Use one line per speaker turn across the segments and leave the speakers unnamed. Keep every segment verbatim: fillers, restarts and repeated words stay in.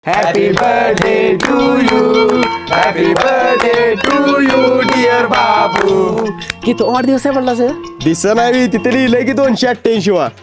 Happy birthday to you. Happy birthday to you, dear बाबू.
किती वाढदिवस आहे म्हणला सर?
दिसत नाही तिथे लिहिलंय की दोनशे अठ्ठ्याऐंशी वा.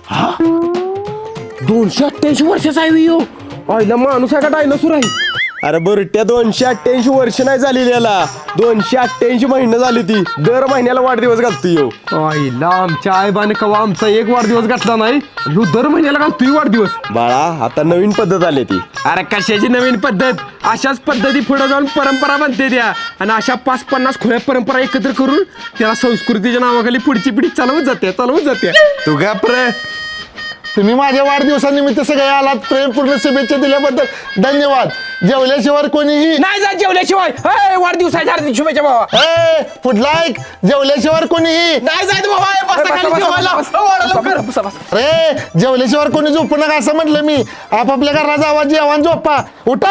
दोनशे अठ्ठ्याऐंशी वर्षाचा आहे यो. आईला माणूस आहे का डायनोसॉर आहे?
अरे बरं त्या दोनशे अठ्ठ्याऐंशी वर्ष नाही झालेली याला, दोनशे अठ्ठ्याऐंशी महिने झाली ती. दर महिन्याला वाढदिवस घालतो यो.
आईला आमच्या आईबाने कवा आमचा एक वाढदिवस घातला नाही, ह्यो दर महिन्याला घालतोय वाढदिवस.
बाळा आता नवीन पद्धत आली ती.
अरे कशाची नवीन पद्धत, अशाच पद्धती पुढे जाऊन परंपरा बनते त्या. आणि अशा पाच पन्नास खुल्या परंपरा एकत्र करून त्याला संस्कृतीच्या नावाखाली पुढची पिढी चालवत जाते चालवत जाते
तू घाबर.
तुम्ही माझ्या वाढदिवसानिमित्त सगळे आलात, प्रेमपूर्ण शुभेच्छा दिल्याबद्दल धन्यवाद. जेवल्याशिवाय कोणीही
नाही जा जेवल्याशिवाय. हे, वाढदिवसाच्या हार्दिक शुभेच्छा बाबा.
ए, पुढला एक जेवल्याशिवाय कोणीही
नाही जायचं बाबा, हे बसा खाली जेवायला. वाढा लवकर. बसा, बसा.
रे जेवल्याशिवाय कोणी झोपू नका असं म्हटलं मी. आपापल्या घराचा आवाज जेवण झोपा उठा.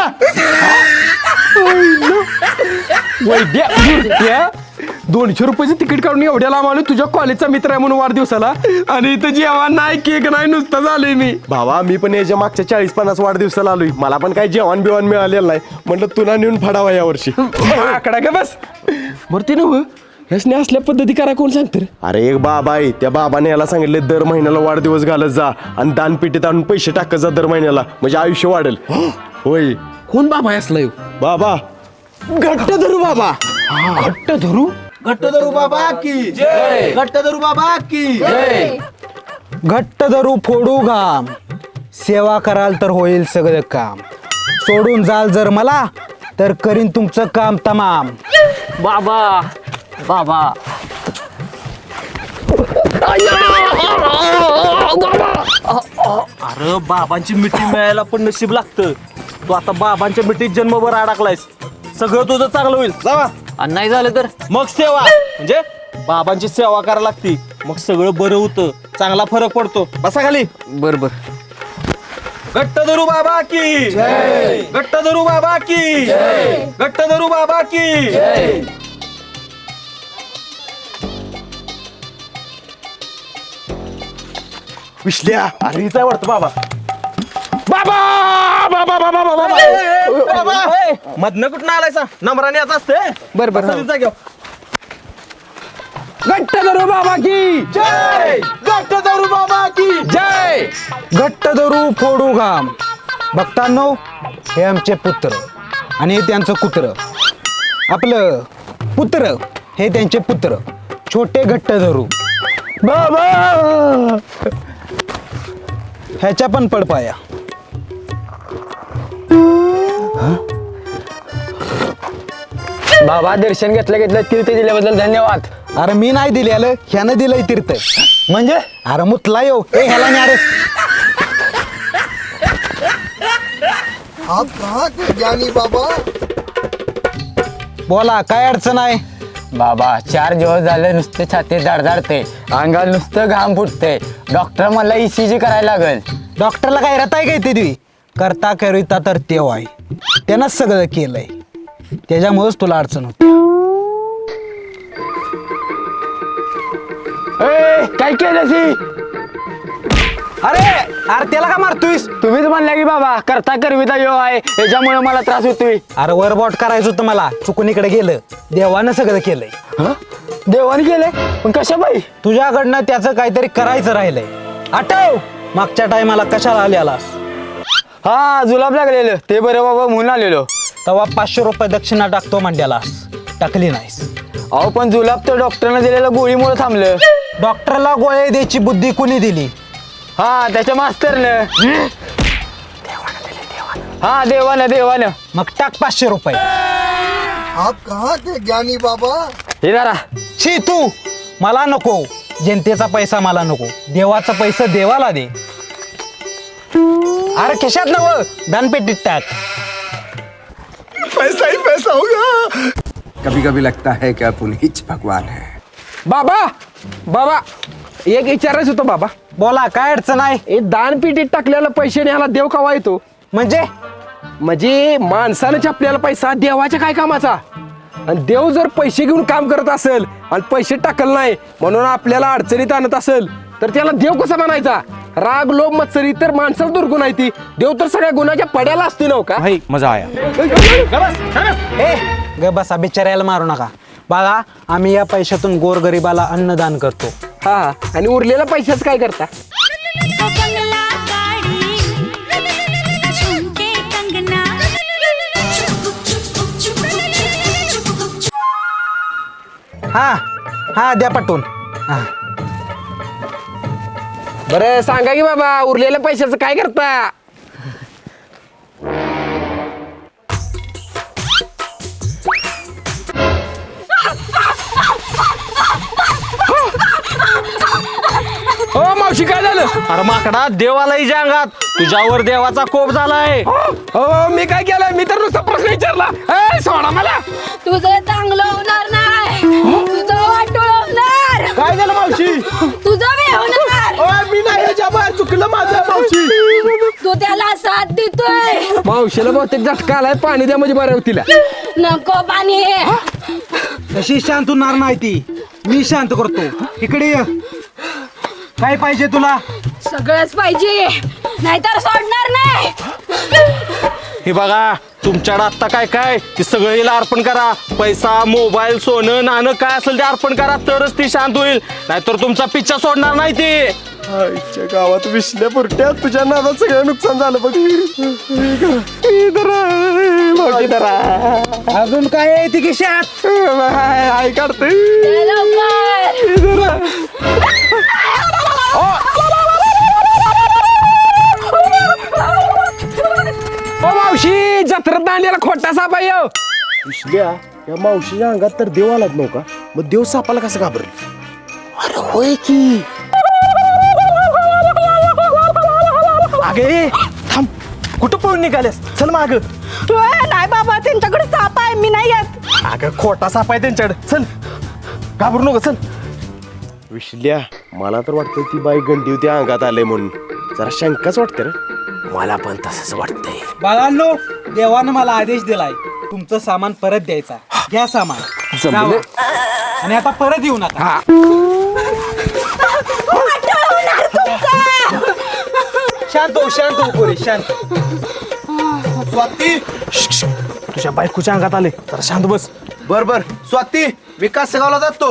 वैद्या वैद्या, दोनशे रुपयाचं तिकीट काढून एवढ्या लांब आलो तुझ्या कॉलेजचा मित्र आहे म्हणून वाढदिवसाला, आणि इथं जेवण नाही, केक नाही, नुसतं झालंय मी.
भावा मी पण याच्या मागच्या चाळीस पन्नास वाढदिवसाला आलोय, मला पण काही जेवण बिवण मिळालेलं नाही, म्हटलं तुला नेऊन फाडावा या वर्षी.
आकडा का बस. बरं ते नव ह्यासने असल्या पद्धती करा कोण सांगतं रे?
अरे एक बाबा आहे, त्या बाबाने याला सांगितले दर महिन्याला वाढदिवस घालत जा आणि दानपेटीत आणून पैसे टाकत जा दर महिन्याला, म्हणजे आयुष्य वाढेल. होय
कोण बाबा आहे असला ह्यो?
बाबा घट्ट धरू बाबा.
घट्ट धरू.
घट्ट धरू बाबा की जय. घट्ट धरू बाबा की जय.
घट्ट धरू फोडू घाम, सेवा कराल तर होईल सगळं काम. सोडून जाल जर मला तर करीन तुमचं काम तमाम.
बाबा बाबा
अरे बाबांची मिठी मिळायला पण नशीब लागतं. तू आता बाबांच्या मिठीत जन्मभर अडकलायस, सगळं तुझं चांगलं होईल. जावा.
आणि नाही झालं तर
मग सेवा म्हणजे बाबांची सेवा करायला लागती, मग सगळं बरं होतं, चांगला फरक पडतो. बसा खाली.
बर बर.
घट्ट धरू बाबा की जय. घट्ट धरू बाबा की जय. घट्ट धरू बाबा की जय.
विश्ल्या अरे हिचा वाटतं बाबा.
बाबा बाबा बाबा बाबा.
मधनं कुठं आलायसा, नंबराने आता असते.
बर बर.
बसा जागेवर.
घट्ट धरू बाबा की
जय. घट्ट धरू बाबा की
जय.
घट्ट धरू फोडू घाम. भक्तांनो, हे आमचे पुत्र आणि हे त्यांचं कुत्र. आपलं पुत्र हे त्यांचे पुत्र, छोटे घट्ट धरू. बाबा ह्याच्या पण पडपाया.
बाबा दर्शन घेतलं घेतलं तीर्थ दिल्याबद्दल धन्यवाद.
अरे मी नाही दिलेलं, ह्यानं दिलंय तीर्थ.
म्हणजे
अरे मुतला येऊ ए ह्याला नाही. अरे
आप कहाँ थे ज्ञानी बाबा?
बोला काय अडचण आहे?
बाबा चार दिवस झाले नुसते छाती धडधडते, अंगाला नुसतं घाम फुटते. डॉक्टर मला ईसीजी करायला लागेल.
डॉक्टरला काय रताय काय ते तुम्ही? करता करिता तर तेव्हा आहे, त्यानं सगळं केलंय, त्याच्यामुळेच तुला अडचण होती.
काय केलं?
अरे अरे त्याला का मारतोयस?
तुम्हीच म्हणल्या की बाबा करता करविता यो आहे, याच्यामुळे मला त्रास होतोय.
अरे वरबॉट करायचं होतं मला, चुकून इकडे गेलं. देवानं सगळं केलंय.
देवाने केलंय पण कशा बाई?
तुझ्याकडनं त्याचं काहीतरी करायचं राहिलंय. आठव मागच्या टायमाला कशाला आल्यालास?
हा जुलाब लागलेलं ते बरं बाबा म्हणून आलेलो.
तेव्हा पाचशे रुपये दक्षिणा टाकतो म्हणल्यालास, टाकली नाहीस.
अहो पण जुलाब तर डॉक्टरने दिलेल्या गोळीमुळे थांबलं.
डॉक्टरला गोळ्या द्यायची बुद्धी कुणी दिली?
हा त्याच्या मास्तरनं. हा देवानं देवानं.
मग टाक पाचशे रुपये.
आप कहाँ थे ज्ञानी बाबा?
हे जरा
शी तू मला नको, जनतेचा पैसा मला नको, देवाचा पैसा देवाला दे. अरे खिशात नव दानपेटीत टाक.
पैसा ही पैसा होगा.
कभी कभी लगता है कि अपन ही भगवान है.
बाबा बाबा एक विचारायचं होतं बाबा.
बोला काय अडचण आहे?
हे दानपेटीत टाकलेला पैसे न्यायला देव कवा येतो?
म्हणजे
म्हणजे माणसानं छापलेला पैसा देवाच्या काय कामाचा? आणि देव जर पैसे घेऊन काम करत असेल आणि पैसे टाकल नाही म्हणून आपल्याला अडचणीत आणत असेल तर त्याला देव कसा म्हणायचा? राग लोभ मत्सरी तर माणसाला दुर्गुण आहे ती, देव तर सगळ्या गुणाच्या पड्याला असते नव का?
भाई मजा आया.
ए ग बसा बिचाऱ्याला मारू नका. बाळा आम्ही या पैशातून गोरगरिबाला अन्नदान करतो.
हा आणि उरलेल्या पैशाच काय करता?
बंगला गाड़ी झुमके कंगना
हा हा द्या पटवून. हा
बरं सांगा की बाबा, उरलेल्या पैशाचं काय करता? हो मावशी काय झालं?
अरे माकडा, देव आला हिच्या अंगात, तुझ्यावर देवाचा कोप झालाय.
हो मी काय केलं? मी तर नुसता प्रश्न विचारला. ए, सोडा मला.
तुझं चांगलं होणार नाही, तुझं वाटोळ होणार,
काय झालं मावशी?
तुझं बी होणार.
ओय, मी नाही ह्याच्या बाहेर, चुकलं माझं मावशी.
तू त्याला साथ देतोय.
मावशीला बहुतेक झटका आलाय, पाणी द्या म्हणजे बरं होतील.
नको पाणी.
कशी शांत होणार नाही ती, मी शांत करतो. इकडे ये. काय पाहिजे तुला?
सगळंच पाहिजे, नाहीतर सोडणार नाही.
हे बघा, तुमच्याकडे आत्ता काय काय ते सगळं हिला अर्पण करा. पैसा, मोबाईल, सोनं नाणं काय असेल ते अर्पण करा, तरच ती शांत होईल, नाहीतर तुमचा पिच्छा सोडणार नाही ती.
आईच्या गावात विसल्या पुरट्या, तुझ्या नादात सगळं नुकसान झालं बघ.
अजून काय आहे ती खिशात?
आई काढते.
चल लवकर.
ओ मावशी, जत्रेत दांड्याला खोटा साप आहे ह्यो.
विसल्या या मावशीच्या अंगात तर देव आलाच नव्हता, मग देव सापाला कसं घाबरेल? अरे होय की.
अगे थांब, कुठं पळून निघालेस? चल माग.
नाही बाबा, त्यांच्याकडे साप आहे, मी नाही येत.
अगं खोटा साप आहे त्यांच्याकडे, चल घाबरू नको, चल.
विसल्या मला तर वाटतं ती बाई गंडी होती अंगात आलंय म्हणून, जरा शंकाच वाटते रे.
मला पण तसंच वाटतंय.
बाळांनो, देवानं मला आदेश दिलाय तुमचं सामान परत द्यायचा. घ्या सामान,
जमलं.
जावा. आणि आता परत येऊ नका. शांत हो, शांत हो पोरी, शांत.
स्वाती,
तुझ्या बायकोच्या अंगात आले, जरा शांत बस.
बर बर. स्वाती, विकास गावला जातो.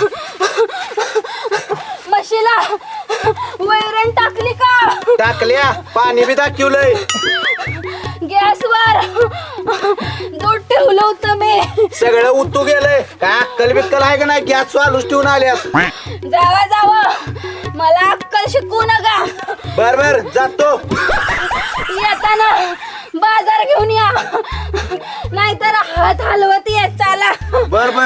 म्हशीला वैरण टाकली का?
टाकल्या, पाणी बी दाखवलंय.
गॅसवर दूध ठेवलं होतं मी.
सगळं उतू गेलंय. काय अक्कल बिक्कल आहे का नाही? गॅस चालूच ठेवून आल्यास.
जावा जावा, मला अक्कल शिकवू नका.
बर बर, जातो.
येताना बाजार घेऊन या, नाहीतर हात हलवत येत चाला.
बर बर.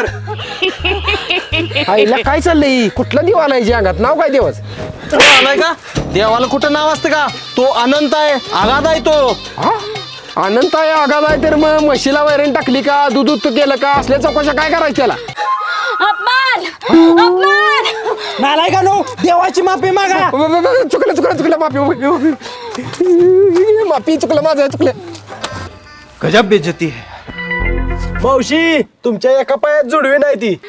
आईला काय चाललंय? कुठला देव आलाय हिच्या अंगात? नाव काय देवाच?
आलाय का? देवाला कुठं नाव असतं का? तो अनंत आहे, आगाध आहे तो.
अनंत आहे, आगाद आहे, तर मग म्हशीला वैरण टाकली का? दूध उत्तू केलं का? असल्या चौकशा काय करायचं त्याला?
अपमान अपमान.
नालाय का नो, देवाची माफी मागा.
चुकलं चुकलं चुकलं, माफी माफी माफी, चुकलं माझं, चुकलं.
गजब बेइज्जती है.
मावशी तुमच्या एका पायात जुडवी नाही ती.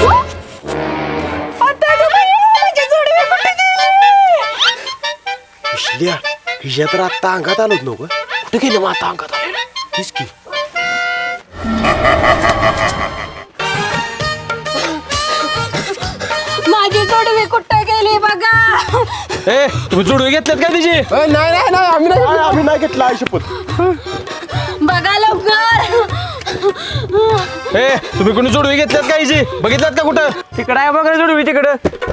विसल्या हिच्या तर आत्ता अंगात आलोच नव्हतं, कुठे गेले मग आता अंगात आले? तीच की.
माझी जोडवी कुठं गेली बघा.
ए तुम्ही जुडवे घेतलेत का तिची?
अ, नाही नाही नाही, आम्ही नाही.
काय आम्ही नाही घेतला शपथ.
बघा लवकर.
ए तुम्ही कोणी जुडवे घेतलेत का हिची? बघितल्यात का कुठं? तिकडं आहे बघा जुडवी, तिकडं.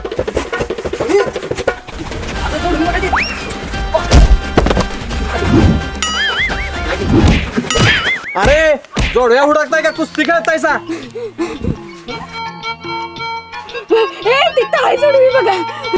अरे जोडव्या हुडकताय का कुस्ती खेळतायसा?
ए तिथं आहे जोडवी बघा.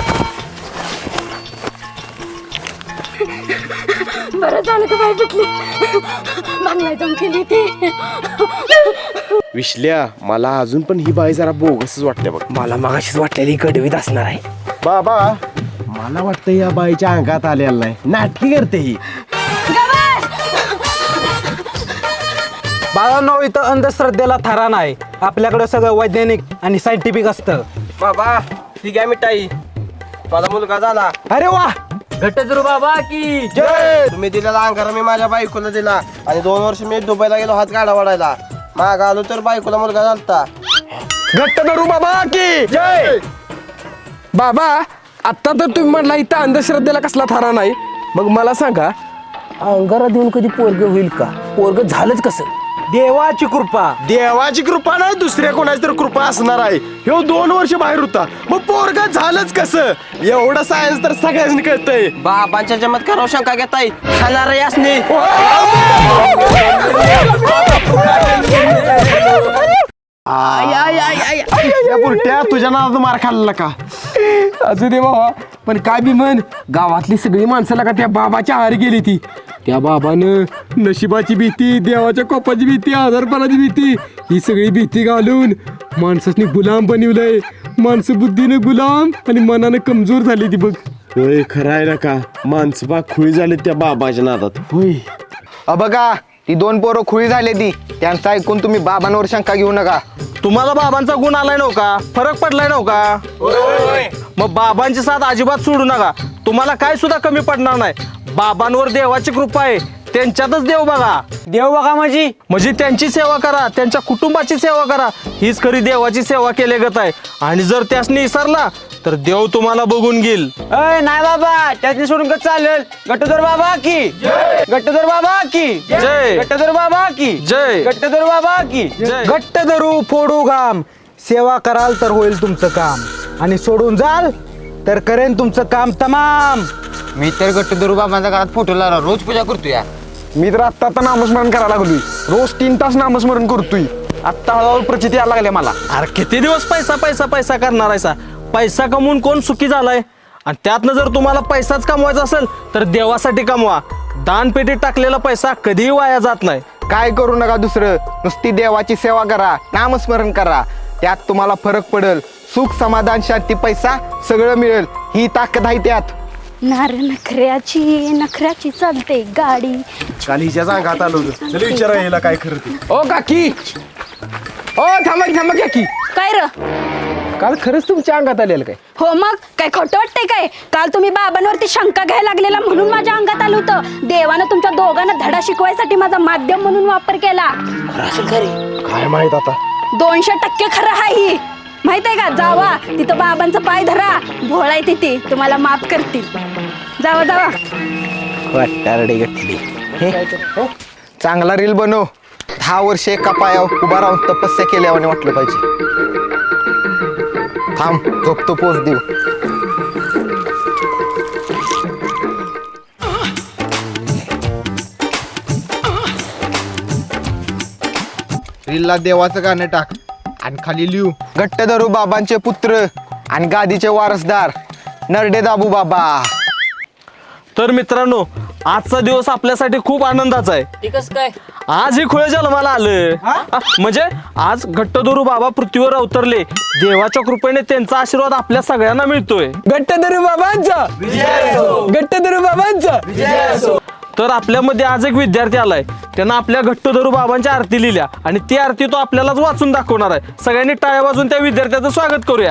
बरं झालं का बाई भेटली, बांगला जाऊन केली ती.
विसल्या मला अजून पण ही बाई जरा बोगसच वाटते बघ.
मला मगाशीच वाटलेली कडवीत असणार आहे.
बाबा मला वाटतं या बाईच्या अंगात आलेला नाही, नाटकी करते ही.
बाळांनो, इथं अंधश्रद्धेला थारा नाही. आपल्याकडे सगळं वैज्ञानिक आणि सायंटिफिक असतं.
बाबा ठीक आहे मिठाई.
माझा मुलगा झाला.
अरे वा
घट्टदुरू बाबा की
तुम्ही दिलेला अंगारा मी माझ्या बायकोला दिला आणि दोन वर्ष मी दुबईला गेलो हात गाडा वाढायला. माग आलो तर बायकोला मुलगा झालता.
घट्ट धरू बाबा की जय. बाबा आता तर तुम्ही म्हटला इथं अंधश्रद्धेला कसला थारा नाही, मग मला सांगा अंगारा देऊन कधी पोरग होईल का? पोरग झालंच कसं?
देवाची कृपा.
देवाची कृपा नाही दुसऱ्या कोणाची तर कृपा असणार आहे. ह्यो दोन वर्ष बाहेर होता, मग पोरगा झालंच कसं? एवढं सायन्स तर सगळ्यांनी कळतंय.
बाबांच्या चमत्कारावर शंका घेताय खाणार यासनी.
या बुरट्या तुझ्या नावाचा मार खाल्ला का?
असू दे बाबा, पण काय बी म्हण गावातली सगळी माणसाला का त्या बाबाच्या आहारी गेली ती. त्या बाबानं नशिबाची भीती, देवाच्या कोपाची भीती, आजारपणाची भीती ही सगळी भीती घालून माणसाने गुलाम बनवलंय. माणसं बुद्धीनं गुलाम आणि मनानं कमजोर झाली ती बघ.
होय खरं आहे ना का? माणसं बा खुळी झाली त्या बाबाच्या नादात.
होय
अ बघा ती दोन पोरं खुळी झाली ती, त्यांचं ऐकून तुम्ही बाबांवर शंका घेऊ नका.
तुम्हाला बाबांचा गुण आलाय नव्हता, फरक पडलाय नव्हता. मग बाबांची साथ अजिबात सोडू नका. तुम्हाला काय सुद्धा कमी पडणार नाही. बाबांवर देवाची कृपा आहे, त्यांच्यातच देव बघा.
देव बघा माझी
म्हणजे त्यांची सेवा करा, त्यांच्या कुटुंबाची सेवा करा, हीच खरी देवाची सेवा केल्यागत आहे. आणि जर त्यासनी विसरला तर देव तुम्हाला बघून घेईल.
अय नाही बाबा त्यातनी सोडून कसं चालेल. घट्टदुरू बाबा की घट्टदुरू बाबा की
जय.
घट्टदुरू बाबा की
जय.
घट्टदुरू बाबा की
जय.
घट्ट धरू फोडू घाम, सेवा कराल तर होईल तुमचं काम, आणि सोडून जाल तर करेन तुमचं काम तमाम.
मी तर घट्टदुरू बाबांच्या घरात फोटो लावला, रोज पूजा करतो या.
मी तर आत्ता आता नामस्मरण करायला लागलोय. रोज तीन तास नामस्मरण करतोय. आत्ता हळूहळू प्रचिती यायला लागल्या मला.
अरे किती दिवस पैसा पैसा पैसा करणार आहे सा? पैसा कमवून कोण सुखी झालाय? आणि त्यातनं जर तुम्हाला पैसाच कमवायचा असेल तर देवासाठी कमवा. दानपेटीत टाकलेला पैसा कधीही वाया जात नाही.
काय करू नका दुसरं, नुसती देवाची सेवा करा, नामस्मरण करा. त्यात तुम्हाला फरक पडेल. सुख, समाधान, शांती, पैसा सगळं मिळेल. ही ताकद आहे त्यात.
नार नखऱ्याची नखऱ्याची चालते गाडी.
काल हिच्याच अंगात आलो होतं. चल विचारा याला काय खरं ते.
ओ काकी, ओ थांबा की, थांबा की काकी.
काय र?
काल खरंच तुमच्या अंगात आलेलं काय?
हो मग काय खोटं वाटतंय काय? काल तुम्ही बाबांवरती शंका घ्यायला लागलेला म्हणून माझ्या अंगात आलं होतं. देवानं तुमच्या दोघांना धडा शिकवायसाठी माझा माध्यम म्हणून वापर केला.
काय माहित आता.
दोनशे टक्के खरं आहे ही. माहित आहे का? जावा तिथं बाबांचा पाय धरा, भोळा आहे तिथे, तुम्हाला माफ करतील. जावा जावा.
वाटारडी गटली. हे, चांगला रील बनव. दहा वर्ष एका पायावर उभा राहून तपस्या केल्यावाने वाटलं पाहिजे. थांब झोपतो पोच देऊ. रीलला देवाचं गाणं टाक आणि खाली लिहू, घट्ट धरू बाबांचे पुत्र आणि गादीचे वारसदार नरडे दाबू बाबा.
तर मित्रांनो, आजचा दिवस आपल्यासाठी खूप आनंदाचा आहे.
काय
आज ही खुळ जन्माला आलं. आ, म्हणजे आज घट्टधरू बाबा पृथ्वीवर अवतरले. देवाच्या कृपेने त्यांचा आशीर्वाद आपल्या सगळ्यांना मिळतोय.
घट्टधरू बाबांचा घट्टधरू बाबांचा.
तर आपल्यामध्ये आज एक विद्यार्थी आलाय. त्यानं आपल्या घट्टधरू बाबांच्या आरती लिहिल्या आणि ती आरती तो आपल्यालाच वाचून दाखवणार आहे. सगळ्यांनी टाळ्या वाजून त्या विद्यार्थ्याचं स्वागत करूया.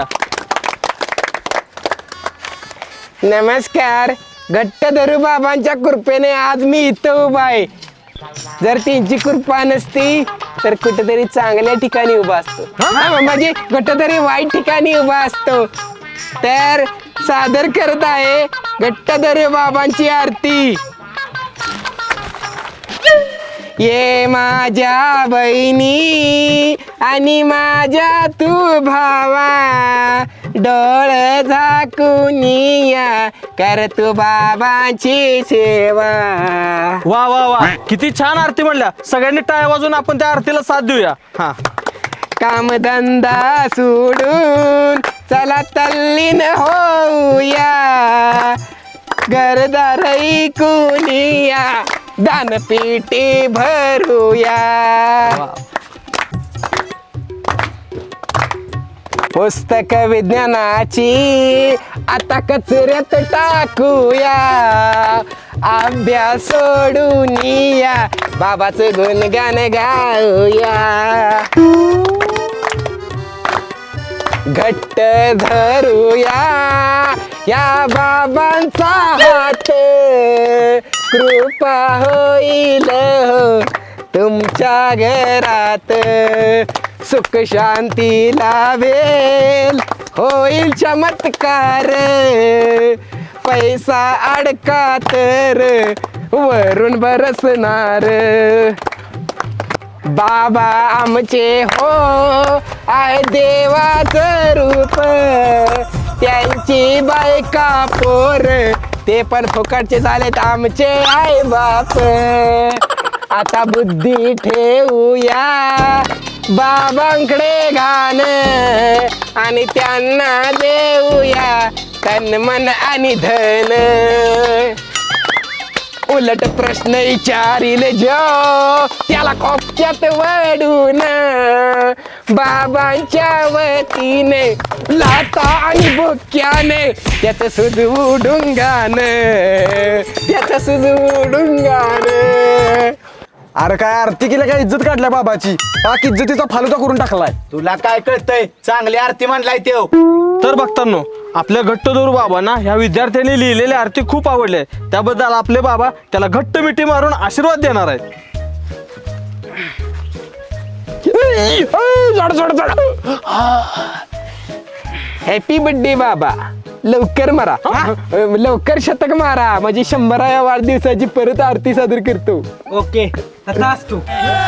नमस्कार. घट्टधरू बाबांच्या कृपेने आज मी इथं उभा आहे. जर त्यांची कृपा नसती तर कुठेतरी चांगल्या ठिकाणी उभा असतो. हा, म्हणजे कुठेतरी वाईट ठिकाणी उभा असतो. तर सादर करत आहे घट्टधरू बाबांची आरती. ये माझ्या बहिणी आणि माझ्या तू भावा, डोळे झाकून या कर तू बाबांची सेवा.
वा वा वा, किती छान आरती म्हणल्या. सगळ्यांनी टाळ्या वाजून आपण त्या आरतीला साथ देऊया. हा,
कामधंदा सोडून चला तल्लीन होऊया, घरदार ऐकूनिया, दानपेटी भरूया. पुस्तक विज्ञानाची आता कचऱ्यात टाकूया, अभ्यास सोडून या बाबाचं गुणगान गाऊया. घट्ट धरूया या बाबांचा हात कृपा होईल हो तुमच्या घरात सुख शांती लाभेल होईल चमत्कार पैसा अडका तर वरून बरसणार बाबा आमचे हो आहे देवाचं रूप त्यांची बायका पोर ते पण फुकटचे झालेत आमचे आई बाप आता बुद्धी ठेवूया बाबांकडे घाण आणि त्यांना देऊया तन मन आणि धन उलट प्रश्न विचारील जो त्याला कोपच्यात वडून बाबांच्या वतीने लाता आणि बुक्याने त्याच सुजवून गाणं त्याच सुजवून गाणं.
अरे काय आरती केलं काय इज्जत काढल्या बाबाची पाक इज्जतीचा फालुदा करून टाकलाय.
तुला काय कळतंय चांगली आरती म्हणलाय तेव.
तर बघतांनो आपल्या घट्टदोर बाबांना ह्या विद्यार्थ्यांनी लिहिलेले आरती खूप आवडले. त्याबद्दल आपले बाबा त्याला घट्ट मिठी मारून आशीर्वाद देणार आहेत.
हॅपी बर्थडे बाबा. लवकर मारा हा? लवकर शतक मारा म्हणजे शंभराव्या वाढदिवसाची परत आरती सादर करतो.
ओके तू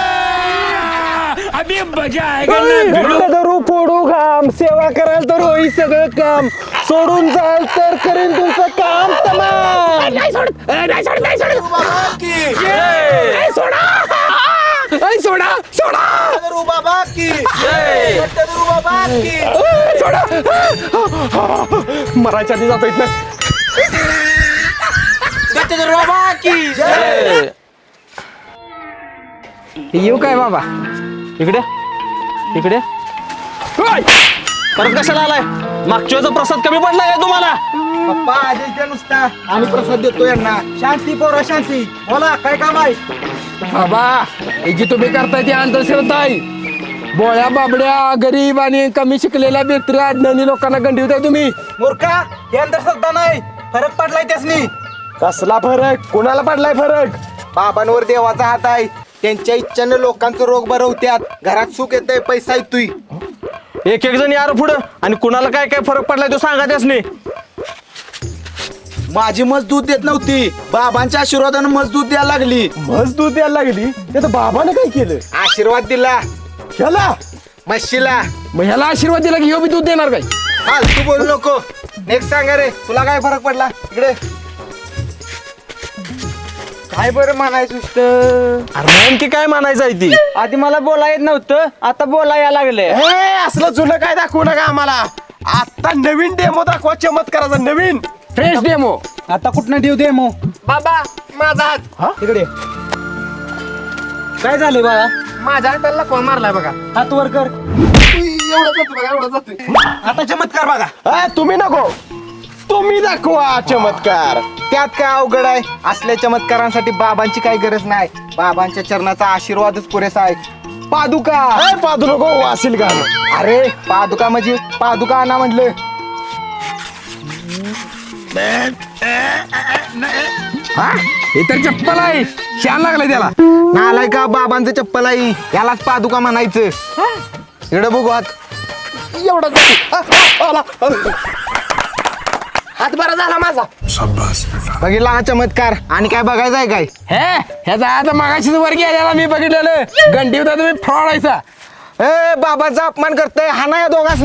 धरू फोडू घाम सेवा कराल तर होई सगळं काम सोडून जाल तर करेन तुमचं काम तमाम. नाही सोड नाही सोड नाही सोड सोडा सोडा सोडा सोडा मरायच्या आधी जातो इथनं. येऊ काय बाबा
इकडे इकडे परत कशाला आलाय? मागच्या वेळेचा प्रसाद कमी पडलाय का तुम्हाला?
पप्पा आदेश द्या नुसता आणि प्रसाद देतो यांना. शांती पोरा शांती बोला काय काम आहे.
बाबा हे जी तुम्ही करताय ती अंधश्रद्धा आहे. बोळ्या बाबड्या गरीब आणि कमी शिकलेल्या बेत्र अज्ञानी लोकांना गंडीवताय तुम्ही.
मूर्खा हे अंधश्रद्धा नाही फरक पडलाय त्यासनी.
कसला फरक? कोणाला पडलाय फरक?
बाबांवर देवाचा हात आहे. त्यांच्या इच्छानं लोकांचं रोग बरं होत्यात. घरात सुख येतंय, पैसा येतोय.
एक एक जण यार पुढं आणि कुणाला काय काय फरक पडलाय तो सांगा त्यासनी.
माझी मजदूत देत नव्हती, बाबांच्या आशीर्वादानं मजदूत द्यायला लागली.
मजदूर द्यायला लागली ते तर बाबाने काय केलं?
आशीर्वाद दिला
ह्याला
म्हशीला.
मग ह्याला आशीर्वाद दिला की ह्यो बी दूध देणार काय?
हाल तू बोलू नको. नेक्स्ट सांगा रे, तुला काय फरक पडला? इकडे काय बरं म्हणायचं नुसतं?
अरे नेमकी काय मानायचं आहे ती?
आधी मला बोला येत नव्हतं आता बोला या लागले.
हे असलं जुनं काय दाखवू नका आम्हाला. आता नवीन डेमो दाखवा चमत्काराचा नवीन.
Fresh demo.
आता कुठनं ठेव दे मग.
बाबा माझा हात
तिकडे काय झाले बाळा.
माझ्या हाताला कोण मारलाय बघा.
हात वर कर.
एवढा जातो बघा एवढा जातोय.
आता चमत्कार बघा.
अ, तुम्ही नको तुम्ही दाखवा चमत्कार.
त्यात काय अवघड आहे? असल्या चमत्कारांसाठी बाबांची काही गरज नाही. बाबांच्या चरणाचा आशीर्वादच पुरेसा आहे. पादुका.
ए, पाहतो नको वासील गाणं.
अरे पादुका म्हणजे पादुका आणा म्हटलं.
हा हे तर चप्पल आहे. शान लागलाय त्याला.
नालाय का बाबांचं चप्पल आहे यालाच पादुका म्हणायचं. इकडे बघू हात.
एवढा जातो. अ, अ, आला. अ. हात बरा झाला माझा.
बघितला हा चमत्कार. आणि काय बघायचं आहे काय?
हे ह्याचा आता मागाशीच वर गेलेला मी बघितलेलं. गंडी होता तुम्ही फ्रॉडायचा.
ए बाबाचा अपमान करतोय हा ना या दोघांस.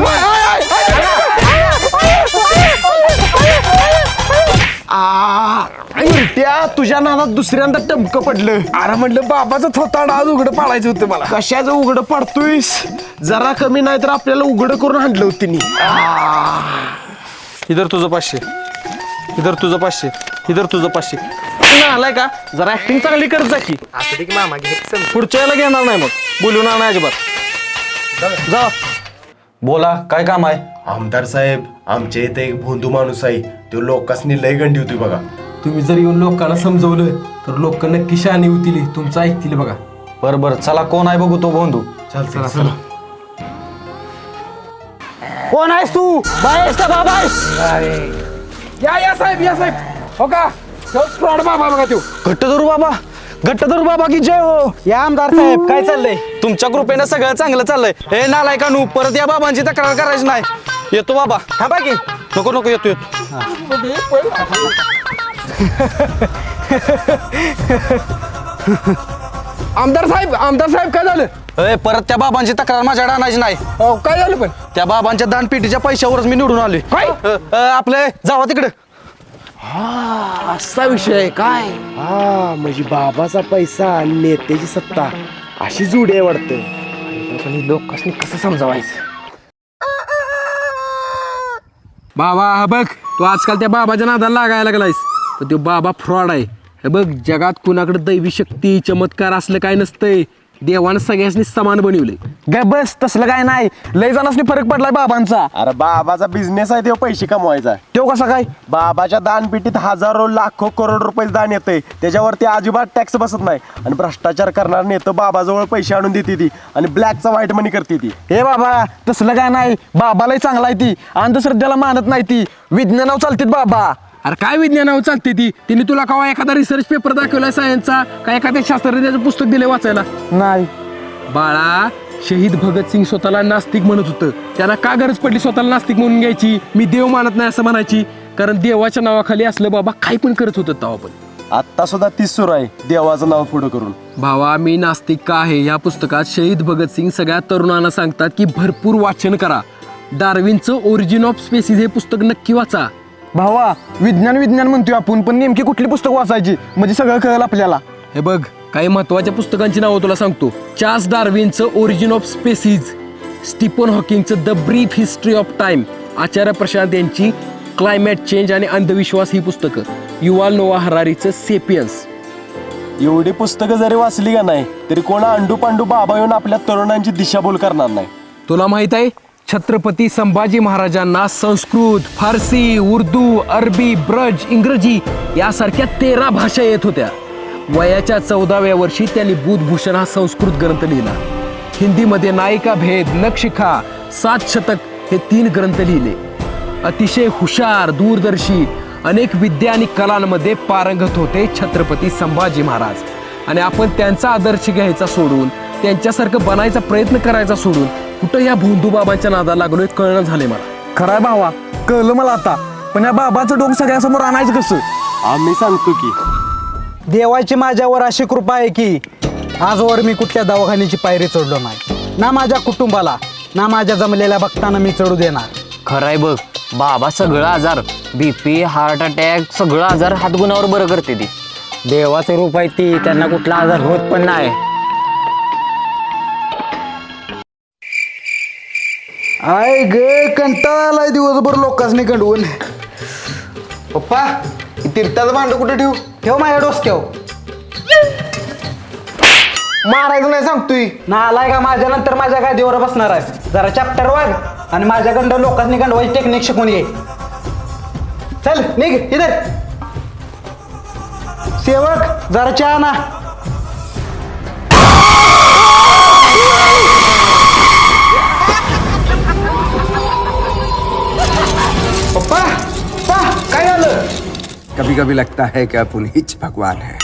त्या तुझ्या नादात दुसऱ्यांदा टमकं पडलं.
अरे म्हटलं बाबाचं थोताड आज उघडं पाडायचं होतं मला.
कशाचं उघडं पडतोयस? जरा कमी नाही तर आपल्याला उघडं करून आणलं होतं तिने.
इधर तुझं पाचशे, इधर तुझं पाचशे, इधर तुझं पाचशे. आलाय का? जरा ऍक्टिंग चांगली करत जा की. पुढच्या वेळेला घेणार नाही मग. बोलवणार नाही अजिबात. जा.
बोला काय काम आहे.
आमदार साहेब आमच्या इथे एक भोंदू माणूस आहे. तो लोकांनी लय गंडी होती बघा.
तुम्ही जर येऊन लोकांना समजवलं तर लोक नक्की शहाणी होतील. तुमचं ऐकतील बघा.
बरं बरं चला कोण आहे बघू तो बंधू.
चालतंय चला.
कोण आहेस तू? बाहेर का बाबा आहेस?
या या साहेब या साहेब हो का फ्रॉड बाबा बघा तो
घट्ट धरू बाबा घट्ट धरू बाबा की जय हो.
या आमदार साहेब काय चाललंय?
तुमच्या कृपेनं सगळं चांगलं चाललंय. हे नालायकानू परत या बाबांची तक्रार करायची नाही. येतो बाबा.
थांबा की.
नको नको येतो येतो.
आमदार साहेब आमदार साहेब काय झालं?
ए, परत त्या बाबांची तक्रार माझ्याकडे आणायची नाही.
अहो, काय झालं पण?
त्या बाबांच्या दानपेटीच्या पैशावरच मी निवडून आलोय.
काय?
अ, अ, आपले जावा तिकडे.
असा विषय आहे काय?
हा म्हणजे बाबाचा पैसा आणि नेत्याची सत्ता अशी जुडी आहे वाटतं.
लोकांनी कसं समजावायचं? बाबा हा बघ तू आजकाल त्या बाबाच्या नादाला लागायला लागलायस पण तो बाबा फ्रॉड आहे. हे बघ जगात कुणाकडे दैवी शक्ती चमत्कार असलं काय नसतंय. देवानं सगळ्यांनी समान बनवले.
ग बस तसलं काय नाही. लय जणांनी फरक पडलाय बाबांचा.
अरे बाबाचा बिझनेस आहे तो पैसे कमवायचा.
तो कसा काय?
बाबाच्या दानपेटीत हजारो लाखो करोड रुपये दान येते त्याच्यावरती अजिबात टॅक्स बसत नाही आणि भ्रष्टाचार करणार नेतं बाबाजवळ पैसे आणून देते ती आणि ब्लॅकचा व्हाईट मनी करते ती.
हे बाबा तसलं काय नाही. बाबालाही चांगला आहे ती अंधश्रद्धेला मानत नाही ती. विज्ञानावर चालतीत बाबा.
अरे काय विज्ञानावर चालते ती? तिने तुला कवा एखादा रिसर्च पेपर दाखवलाय सायन्सचा का एखाद्या शास्त्रज्ञाचं पुस्तक दिले वाचायला?
नाही.
बाळा शहीद भगतसिंग स्वतःला नास्तिक म्हणत होतं. त्यांना का गरज पडली स्वतःला नास्तिक म्हणून घ्यायची? मी देव मानत नाही असं म्हणायची. कारण देवाच्या नावाखाली असलं बाबा काय पण करत होतं तेव्हा पण.
आत्ता सुद्धा तीच सुरू आहे देवाचं नाव पुढं करून.
भावा मी नास्तिक का आहे या पुस्तकात शहीद भगतसिंग सगळ्या तरुणांना सांगतात की भरपूर वाचन करा. डार्विनचं ओरिजिन ऑफ स्पेसिस हे पुस्तक नक्की वाचा.
भावा विज्ञान विज्ञान म्हणतोय आपण पण नेमकी कुठली पुस्तक वाचायची म्हणजे सगळं कळलं आपल्याला.
हे बघ काही महत्वाच्या पुस्तकांची नावं तुला सांगतो. चार्ल्स डार्विनचं ओरिजिन ऑफ स्पेसिस, स्टीफन हॉकिंगचं the brief history of time, Acharya Prashant यांची क्लायमेट चेंज आणि अंधविश्वास ही पुस्तकं, युवाल नोआ हरारीचं सेपियन्स.
एवढी पुस्तकं जरी वाचली का नाही तरी कोणा अंडू पांडू बाबा येऊन आपल्या तरुणांची दिशाभूल करणार नाही.
तुला माहित आहे छत्रपती संभाजी महाराजांना संस्कृत, फारसी, उर्दू, अरबी, ब्रज, इंग्रजी यासारख्या तेरा भाषा येत होत्या. वयाच्या चौदाव्या वर्षी त्यांनी बुधभूषण हा संस्कृत ग्रंथ लिहिला. हिंदीमध्ये नायिका भेद, नखशिखा, सात शतक हे तीन ग्रंथ लिहिले. अतिशय हुशार, दूरदर्शी, अनेक विद्या आणि कलांमध्ये पारंगत होते छत्रपती संभाजी महाराज. आणि आपण त्यांचा आदर्श घ्यायचा सोडून त्यांच्यासारखं बनायचा प्रयत्न करायचा सोडून कुठं या भोंदू बाबांच्या नादाला लागलोय कळणं झाले मला.
खराय भावा कळलं मला आता. पण या बाबाचं डोकं सगळ्यांसमोर आणायचं कसं?
आम्ही सांगतो की
देवाची माझ्यावर अशी कृपा आहे की आजवर मी कुठल्या दवाखान्याची पायरी चढलो नाही. ना माझ्या कुटुंबाला ना माझ्या जमलेल्या भक्तांना मी चढू देणार.
खरंय बघ बाबा सगळं आजार बीपी हार्ट अटॅक सगळं आजार हातगुणावर बरं करते ती. देवाचं रूप आहे ती त्यांना कुठला आजार होत पण नाही.
आय ग कंटाळा आलाय दिवसभर लोकांनी कंडवून.
पप्पा तीर्थाचं भांड कुठे ठेवू?
ठेव माझ्या डोसक्यावर.
मारायचं नाही सांगतोय.
ना आलाय का माझ्या नंतर माझ्या गादीवर बसणार आहे. जरा चॅप्टर वाग आणि माझ्याकडं लोकांनी गंडवायची टेक्निक शिकून घे. चल निघ इधर. सेवक जरा चहा ना. पप्पा पप्पा काय झालं?
कभी कभी लगता है कि अपन हिच भगवान है.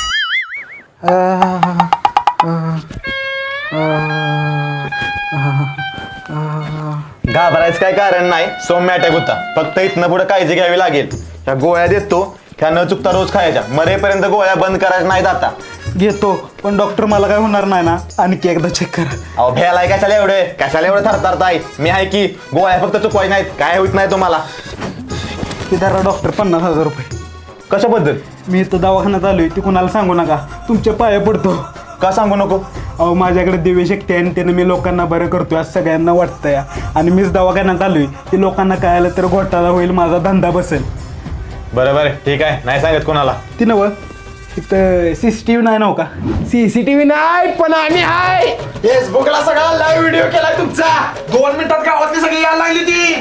घाबरायचं काय कारण नाही. सौम्य अटॅक होता. फक्त इथनं पुढे काळजी घ्यावी लागेल. ह्या गोळ्या देतो ह्या न चुकता रोज खायच्या. मरेपर्यंत गोळ्या बंद करायच्या नाहीत आता.
घेतो पण डॉक्टर मला काय होणार नाही ना? आणखी एकदा चेक करा.
अहो भ्यालाय कशाला एवढे कशाला एवढं थरथरताय? मी आहे की गोळ्या फक्त चुकवायच्या नाहीत. काय होत नाही तुम्हाला.
ते धरा डॉक्टर पन्नास हजार रुपये.
कशाबद्दल?
मी इथं दवाखान्यात आलोय ते कुणाला सांगू नका. तुमच्या पाया पडतो.
का सांगू नको?
अहो माझ्याकडे दिव्य शक्ती आहे आणि त्यानं मी लोकांना बरं करतोय असं सगळ्यांना वाटतंय. आणि मीच दवाखान्यात आलोय ते लोकांना कळालं तर घोटाळा होईल, माझा धंदा बसेल.
बरं बरं ठीक आहे नाही सांगत कोणाला.
ती नव इथं सीसीटीव्ही नाही नव का?
सीसीटीव्ही नाही पण आम्ही आहे.
फेसबुकला सगळा लाईव्ह व्हिडिओ केलाय तुमचा. दोन मिनिटात गावातली सगळी यायला लागली ती.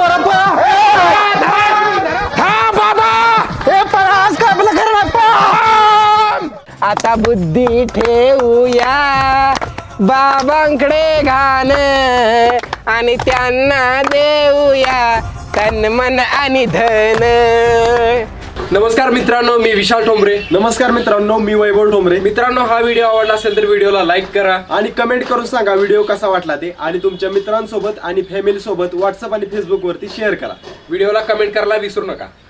आता बुद्धी ठेवूया बाबांकडे घाण आणि त्यांना देऊया तन मन आणि धन. नमस्कार मित्रांनो, मी विशाल ठोंबरे.
नमस्कार मित्रांनो, मी वैभव ठोंबरे.
मित्रांनो, हा व्हिडिओ आवडला असेल तर व्हिडिओला लाईक करा
आणि कमेंट करून सांगा व्हिडिओ कसा वाटला ते, आणि तुमच्या मित्रांसोबत आणि फॅमिली सोबत व्हॉट्सअप आणि फेसबुक वरती शेअर करा.
व्हिडिओला कमेंट करायला विसरू नका.